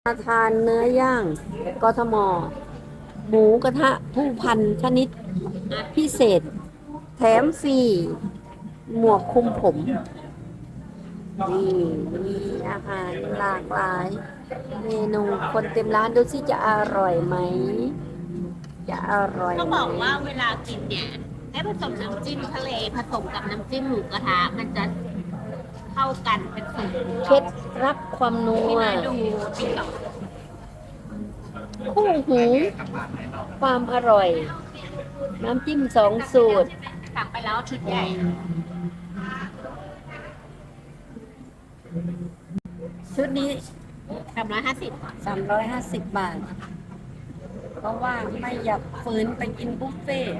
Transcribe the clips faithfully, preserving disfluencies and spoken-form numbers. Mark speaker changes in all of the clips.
Speaker 1: มาทานเนื้อย่างกทมหมูกระทะผู้พันชนิดพิเศษแถมฟรีหมวกคลุมผมนี่มีอาหารหลากหลายเมนูคนเต็มร้านดูสิจะอร่อยไหมจะอร่อย
Speaker 2: เขา
Speaker 1: ไหม
Speaker 2: บอกว่าเวลากินเนี่ยให้ผสมน้ำจิ้มทะเลผสมกับน้ำจิ้มหมูกระทะมันจะเข้ากันเป็นสูตร
Speaker 1: เคล็ดลับความนั
Speaker 2: ที่
Speaker 1: ว
Speaker 2: น่าดูติ๊กต็อก
Speaker 1: คู่หูความอร่อยน้ำจิ้มสองสูตร
Speaker 2: สั่งไปแล้วชุดใหญ่
Speaker 1: ชุดนี้
Speaker 2: สามร้อยห้าสิบ
Speaker 1: สามร้อยห้าสิบบาท เพราะว่าไม่อยากฝืนไปกินบุฟเฟ่ต์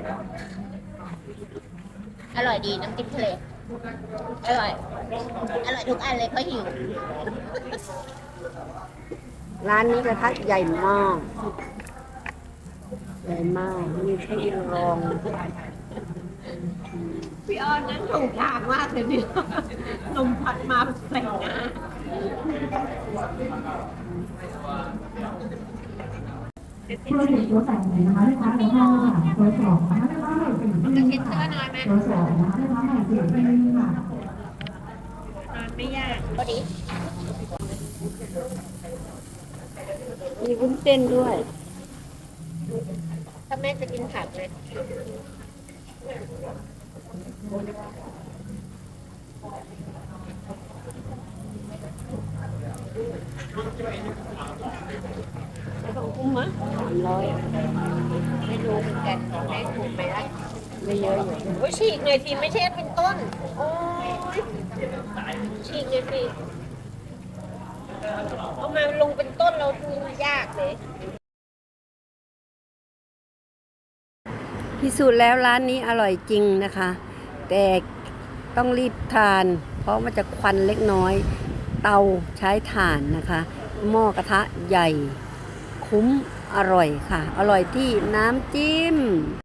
Speaker 2: อร่อยดีน้ำจิ้มทะเลอร่อย อร่อยทุกอันเลยเพราะหิว
Speaker 1: ร้านนี้กระทะใหญ่มาก ใหญ่มาก มีให้ลอง
Speaker 2: พี่อ้อนนั้นถูกทางมากเลยเนี่ยนมผัดมาใส่หน้า
Speaker 3: ธุรกิจตัวแต่งนะคะลูกค้าตัวห้าค่ะตัวสองนะคะลูกค้าใหม่สี่ที่ค่ะตัวสองนะคะลูกค้าใหม่สี่ที่ค่ะ
Speaker 2: นอนไม่ยากพอดี
Speaker 1: มีวุ้นเส้นด้วย
Speaker 2: ถ้าแม่จะกินผักเลย
Speaker 1: ไม่ต้องคุ้มมั้ยสามร้อย
Speaker 2: ไม่รู้เหมือนกันได้ถูกไหมล่ะ
Speaker 1: ไม่เยอะอยู่
Speaker 2: โอ้ยฉีกหน่อยทีไม่ใช่เป็นต้น โอ้ยฉีกหน่อยสิเอามาลงเป็นต้นเราดูยากเลย
Speaker 1: พิสูจน์แล้วร้านนี้อร่อยจริงนะคะ แต่ต้องรีบทาน เพราะมันจะควันเล็กน้อย เตาใช้ถ่านนะคะ หม้อกระทะใหญ่ คุ้มอร่อยค่ะ อร่อยที่น้ำจิ้ม